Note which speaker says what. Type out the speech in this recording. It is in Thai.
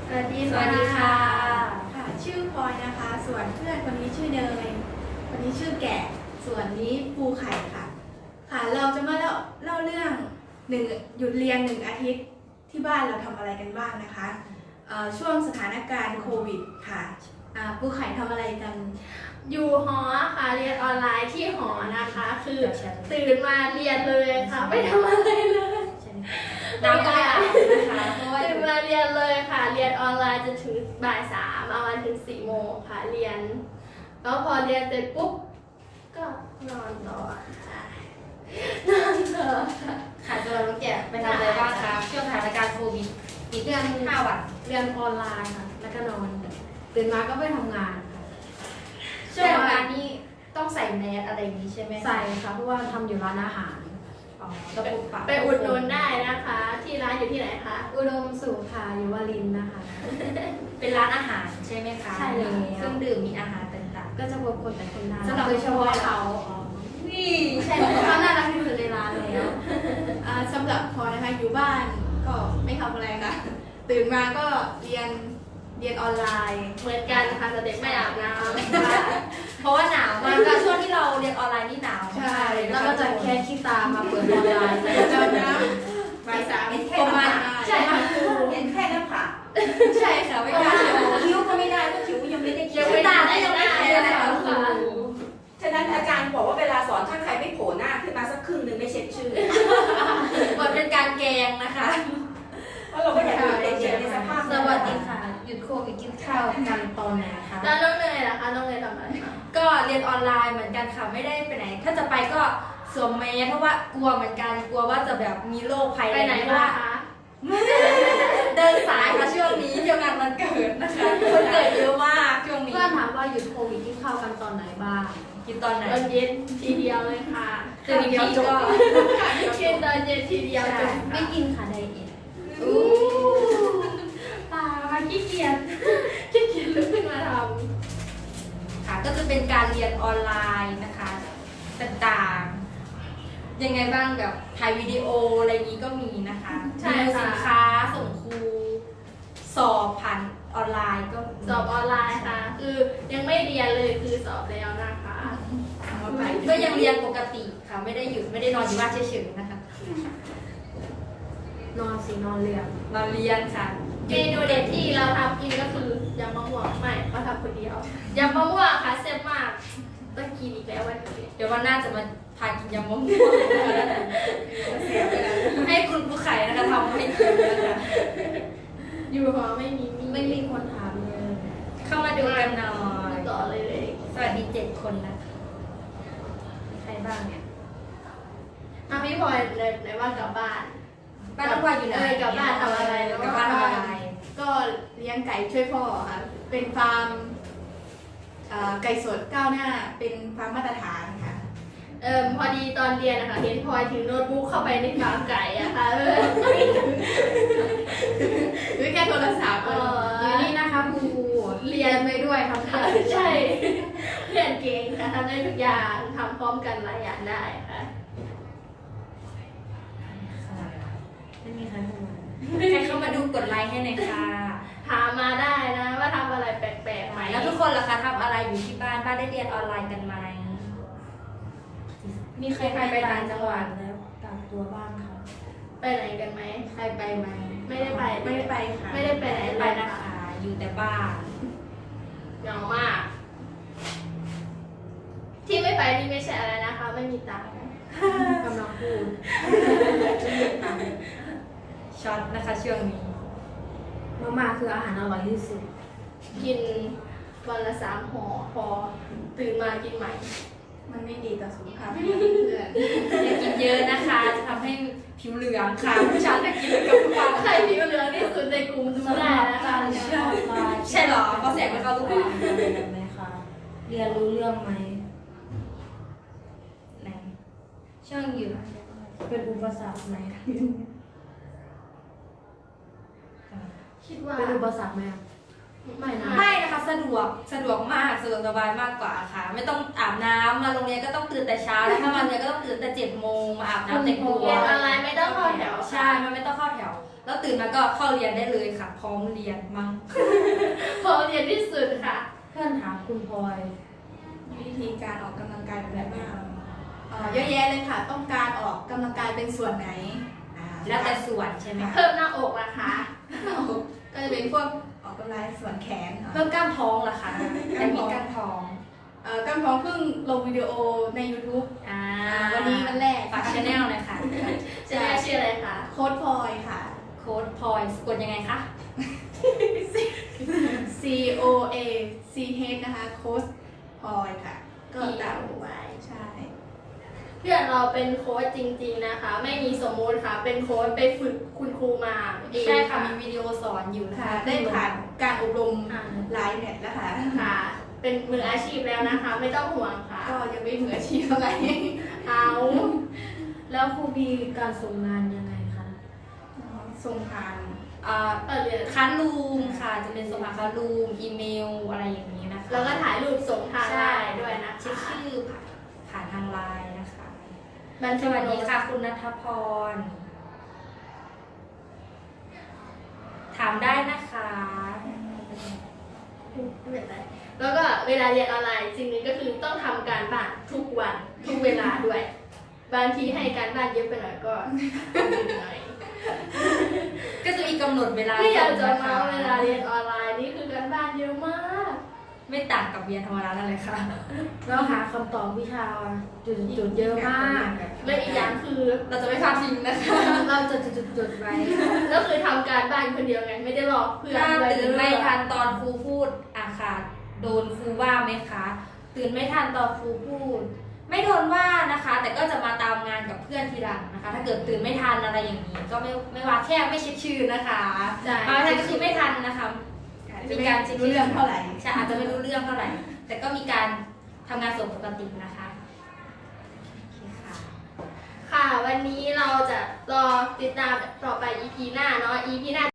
Speaker 1: สวัสดี
Speaker 2: สวัสดีค่ะ
Speaker 1: ค่ะชื่อพลอยนะคะ ส่วนเพื่อนคนนี้ชื่อเนยคนนี้ชื่อแกะส่วนนี้ปูไข่ค่ะค่ะเราจะมาเล่าเรื่องหยุดเรียน1 อาทิตย์ที่บ้านเราทำอะไรกันบ้างนะคะช่วงสถานการณ์โควิดค่ะปูไข่ทำอะไรกัน
Speaker 2: อยู่หอค่ะเรียนออนไลน์ที่หอนะคะ คือตื่นมาเรียนเลยค่ะไม่ทำอะไรเลย
Speaker 1: น้ำก็ไม่อาบนะคะเพราะว่า
Speaker 2: ตื่นมาเรียนเลยค่ะ เรียนออนไลน์จนถึงบ่าย3เอาวันถึง4 โมงค่ะเรียนแล้วพอเรียนเสร็จปุ๊บก็นอนต่อค่ะนอนต่อค่ะ
Speaker 3: ค่ะตัวเราแกะไปทำอะไรบ้างคะช่วงสถานการณ์โควิดปิดเดือน5 วัน
Speaker 2: เรียนออนไลน์ค่ะแล้วก็นอนตื่นมาก็ไปทำงานค่ะ
Speaker 3: ช่วงทำงานนี้ต้องใส่แมสอะไรอย่างนี้ใช่ไหมคะ
Speaker 2: ใส่ค่ะเพราะว่าทำอยู่ร้านอาหาร
Speaker 3: อ๋อระบบปรับ
Speaker 2: ไปอุดหนุนได้นะคะ ที่ร้านอยู่ที่ไหนคะ
Speaker 1: อุดมสุขค่ะอยู่วารินนะคะ
Speaker 3: เป็นร้านอาหารใช่ไหมคะ
Speaker 2: ใช่แล้ว
Speaker 3: มีเครื่องดื่มมีอาหารต่าง
Speaker 2: ก็จะพบคนแต่คนน่า
Speaker 1: สำหรับ
Speaker 2: โดยเฉพาะเขา
Speaker 3: ๆนี่
Speaker 2: ใช่เพราะเขาน่ารักที่สุดในร้านแล้ว
Speaker 1: สำหรับพลอยนะคะอยู่บ้านก็ไม่ทำอะไรค่ะ ตื่นมาก็เรียนออนไลน์
Speaker 2: เหมือนกันค่ะแต่เด็กไม่อาบน้
Speaker 3: เพราะว่าหนาวมากก็ช่วงที่เราเรียนออนไลน์นี่หนาวมากเลย
Speaker 2: ำ
Speaker 3: นะ
Speaker 2: แล้ว
Speaker 3: คะ
Speaker 2: ก็จะแค่ขี้ตามาเปิดออนไลน์
Speaker 1: จำนะบ่าย 3ประมาณ
Speaker 2: ใช่ค่ะ
Speaker 4: เห็นแค่หน้าผาก
Speaker 1: ใช่ค่ะไม่กล้า
Speaker 4: คิ้วก็ไม่ได้เพราะคิ้วยังไม่ได้
Speaker 2: ยั
Speaker 4: เขีย
Speaker 2: ง
Speaker 4: น
Speaker 2: ไม่ได้ยังไม่ได้เลยค่ะ
Speaker 4: ฉะนั้นอาจารย์บอกว่าเวลาสอนถ้าใครไม่โผล่หน้าขึ้นมาสักครึ่งหนึ่งไม่เช็ดชื่อ
Speaker 3: เหมือนเป็นการแกงนะคะ
Speaker 4: เพราะเราก็อยากอยู่เด็กๆในสภาพ
Speaker 3: สวัสดีค่ะหยุดโควิดกินข้าวกันตอนไหนคะ
Speaker 2: แล้วน้องเนยล่ะคะน้องเนยทำอะไรคะ
Speaker 3: ก็เรียนออนไลน์เหมือนกันค่ะไม่ได้ไปไหน ถ้าจะไปก็สวมแมสเพราะว่ากลัวเหมือนกันกลัวว่าจะแบบมีโรคภัย
Speaker 2: ไปไหน
Speaker 3: เพราะ
Speaker 2: มา
Speaker 3: ว่า
Speaker 2: คะ
Speaker 3: เดินสายค่ะช่วงนี้เที่ยวงานวันเกิดนะคะคนเกิดเยอะมากช่วงนี้
Speaker 2: เพื่อนถามว่าหยุดโควิดกินข้าวกันตอนไหนบ้าง
Speaker 3: กินตอนไหน
Speaker 2: ตอนเย็นทีเดียวเลยค่ะ
Speaker 3: ตื่นอีกทีก็
Speaker 2: กินตอนเย็นทีเดียวจบ
Speaker 3: ไม่กินค่ะไดเอท
Speaker 2: อู้ตามาขี้เกียจขี้เกียจลุกขึ้นมาท
Speaker 3: ค่ะก็จะเป็นการเรียนออนไลน์นะคะต่างๆยังไงบ้างแบบถ่ายวิดีโออะไรอย่างนี้ก็มีนะคะรีวิวสินค้าส่งครูสอบผ่านออนไลน์ก็มี
Speaker 2: ำสอบออนไลน์ค่ะ คือยังไม่เรียนเลยคือสอบแล้วนะคะ
Speaker 3: ก็ยังเรียนปกติค่ะไม่ได้หยุดไม่ได้นอนอยู่บ้านเฉยๆนะคะ
Speaker 2: นอนสินอนเรียน
Speaker 3: นอนเรียนค่ะ
Speaker 2: เมนูเด็ดที่เราทำกินก็คือยำมะม่วงไม่เราทำคนเดียวยำมะม่วงค่ะแซ่บมากต้องกินอีกแล้ววันนี้
Speaker 3: เดี๋ยววันหน้าจะมาพากินยำมะม่วงให้คุณผู้ไข่นะคะทำให้กินนะคะ
Speaker 2: อยู่หอไม่มี
Speaker 3: ไม่มีคนถามเลย เข้ามาดูกันหน่อย
Speaker 2: ต่อเลย
Speaker 3: สวัสดี7 คนนะคะมีใครบ้างเนี่ย
Speaker 2: พี่พลอยในว่ากลับบ้าน
Speaker 3: บ้านน้องพลอยอยู่ไหน
Speaker 2: กลับบ้านทำอะไรแล้ว
Speaker 3: กลับบ้านทำอะไร
Speaker 1: ก็เลี้ยงไก่ช่วยพ่อค่ะเป็นฟาร์มไก่สดก้าวหน้าเป็นฟาร์มมาตรฐานค่ะ
Speaker 2: พอดีตอนเรียนนะคะเห็นพลอยถือโน้ตบุ๊กเข้าไปในฟาร์มไก่อะค่ะ
Speaker 1: หรือแค่โทรศัพท์
Speaker 2: อยู่นี่นะคะครูเรียนไปด้วยทำค่ะใช่ เรียนเก่งค่ะทำได้ทุกอย่างทำพร้อมกันหลายอย่างได้ค่ะ
Speaker 3: ไม่มีใครเข้ามาใครเข้ามาดูกดไลค์ให้หน่อยค่ะ
Speaker 2: ถามมาได้นะว่าทำอะไรแปลกๆไหม
Speaker 3: แล้วทุกคนล่ะคะทำอะไรอยู่ที่บ้านบ้านได้เรียนออนไลน์กันไหมมีใครไปต่างจังหวัดแล้วกักตัวบ้างคะ
Speaker 2: ไปไหนกันไหม
Speaker 1: ใครไปไหม
Speaker 2: ไม่ได้ไป
Speaker 1: ไม่ได้ไปค่ะ
Speaker 2: ไม่ได้ไปไหน
Speaker 3: ไป
Speaker 2: เลย
Speaker 3: นะคะ อยู่แต่บ้าน
Speaker 2: เหงามาก ที่ไม่ไปนี่ไม่ใช่อะไรนะคะ ไม่มีตังค์กำลังพูด
Speaker 3: ช็อตนะคะช่วงนี้
Speaker 2: มาม่าคืออาหารอร่อยที่สุด กินวันละ3 ห่อพอตื่นมากินใหม่
Speaker 1: มันไม่ดีต่อสุขภาพเพื่อน
Speaker 3: อย่ากินเยอะนะคะ จะทำให้ผิวเหลืองค่ะผู้ชายจะกินกับทุกวัน
Speaker 2: ใครผิวเหลืองที่สุดในกลุ่มดูได้นะคะ
Speaker 3: ใช่เหรอเพราะแสงมันเข้าทุกวัน
Speaker 5: ไหมคะเรียนรู้เรื่องไหม
Speaker 3: ไหนช่วงอยู่
Speaker 5: เป็นอุปสรรคไหม
Speaker 2: คิดว่า
Speaker 5: เป็นอุปสรรคไหมอะ
Speaker 2: ไม่นะ
Speaker 3: ไม่นะคะสะดวกมากสะดวกสบายมากกว่าค่ะ ไม่ต้องอาบน้ำมาโรงเรียนก็ต้องตื่นแต่เช้าแล้วถ้ามาเรียนก็ต้องตื่นแต่7 โมงมาอาบน้ำแต่งตัว
Speaker 2: เรียนออนไลน์ไม่ต้องเข้าแถว
Speaker 3: ใช่มันไม่ต้องเข้าแถวแล้วตื่นมาก็เข้าเรียนได้เลยค่ะ พร้อมเรียนมั้ง
Speaker 2: พอเรียนที่สุดค่ะ
Speaker 5: เพื่อนถามคุณพลอย
Speaker 1: วิธีการออกกำลังกายแบบไหนบ้างเยอะแยะเลยค่ะ ต้องการออกกำลังกายเป็นส่วนไหน
Speaker 3: แล้วแต่ส่วนใช่ไหมคะ
Speaker 2: เพิ่มหน้าอกนะคะ
Speaker 1: ก็จะเป็นพวกออกกำลังส่วนแขนค่ะ
Speaker 3: เพิ่มกล้ามท้องล่ะคะแต่มีกล้ามท้อง
Speaker 1: กำท้องเพิ่งลงวิดีโอใน YouTube วันนี้วันแรก
Speaker 3: ฝากชาแนลเลยค่ะ
Speaker 2: จะได้ชื่ออะไรคะ
Speaker 1: โค้ดพลอยค่ะ
Speaker 3: โค้ดพลอยสะกดยังไงคะ
Speaker 1: C O A C H นะคะโค้ดพลอยค่ะ ก็ตามไว้ใช่
Speaker 2: เพื่อนเราเป็นโค้ชจริงๆนะคะ ไม่มีสมมุติค่ะ เป็นโค้ชไปฝึกคุณครูมาเอง
Speaker 3: ใช่ค่ะมีวิดีโอสอนอยู่นะคะ
Speaker 1: ได้ผ่านการอบรมหลายแมตช์แล้วค่ะ
Speaker 2: ค่ะ เป็นมืออาชีพแล้วนะคะ ไม่ต้องห่วงค่ะ
Speaker 1: ก็ยังไม่มืออาชีพเท่าไหร่
Speaker 2: เอา
Speaker 5: แล้วครูมีการส่งงานยังไงคะ
Speaker 1: ส่งผ่าน
Speaker 2: เรียน
Speaker 3: คันลูมค่ะ จะเป็นส่งผ่านคันลูมอีเมลอะไรอย่างนี้นะคะ
Speaker 2: แล้วก็ถ่ายรูปส่งทางไลน์ด้วยนะ
Speaker 3: เช็ค
Speaker 2: คะ
Speaker 3: ชื่อผ่านทางไลน์นะคะ
Speaker 2: บัน
Speaker 3: ส
Speaker 2: ทึก
Speaker 3: วัส
Speaker 2: โน้
Speaker 3: ดี
Speaker 2: ต
Speaker 3: ค่ะคุณณัฐพร ถามได้นะคะ
Speaker 2: ไม่เป็นไรแล้วก็เวลาเรียนออนไลน์สิ่งหนึงก็คือต้องทำการบ้านทุกวันทุกเวลาด้วย บางทีให้การบ้านเยอะไปหน่อยก็หน่อย
Speaker 3: ก็จะมีกำหนดเวลา
Speaker 2: ไม่อยากจะ
Speaker 3: ส่งนค
Speaker 2: เมาเวลาเรียนออนไลน์นี่คือการบ้านเยอะมาก
Speaker 3: ไม่ต่างกับเรียนธรรมดานั่นเลยค่ะ
Speaker 5: แล้วหาคำตอบวิชาจุดๆเยอะมาก
Speaker 2: และอีกอย่างคือ
Speaker 3: เราจะไม่พลาดทิ้งนะคะ
Speaker 5: เราจะจุดๆไว้
Speaker 2: ก็คือทำการบ้านคนเดียวไงไม่ได้รอเพื่อน
Speaker 3: ถ้า
Speaker 2: ด้วย
Speaker 3: ตื่นไม่ทันตอนครูพูดค่ะโดนครูว่าไหมคะ ตื่นไม่ทันตอนครูพูด ไม่โดนว่านะคะ แต่ก็จะมาตามงานกับเพื่อนทีหลังนะคะ ถ้าเกิดตื่นไม่ทันอะไรอย่างนี้ ก็ไม่ว่าแค่ไม่เช็คชื่อนะคะ
Speaker 2: ใช่
Speaker 3: บางท่านก็คือไม่ทันนะคะ
Speaker 1: จะไม่รู้เรื่องเท่าไหร่
Speaker 3: ใช่อาจจะไม่รู้เรื่องเท่าไหร่ แต่ก็มีการทำงานส่วนปกตินะคะโอเคค่ะ
Speaker 2: ค่ะ วันนี้เราจะรอติดตามต่อไป EP หน้าเนาะ EP หน้า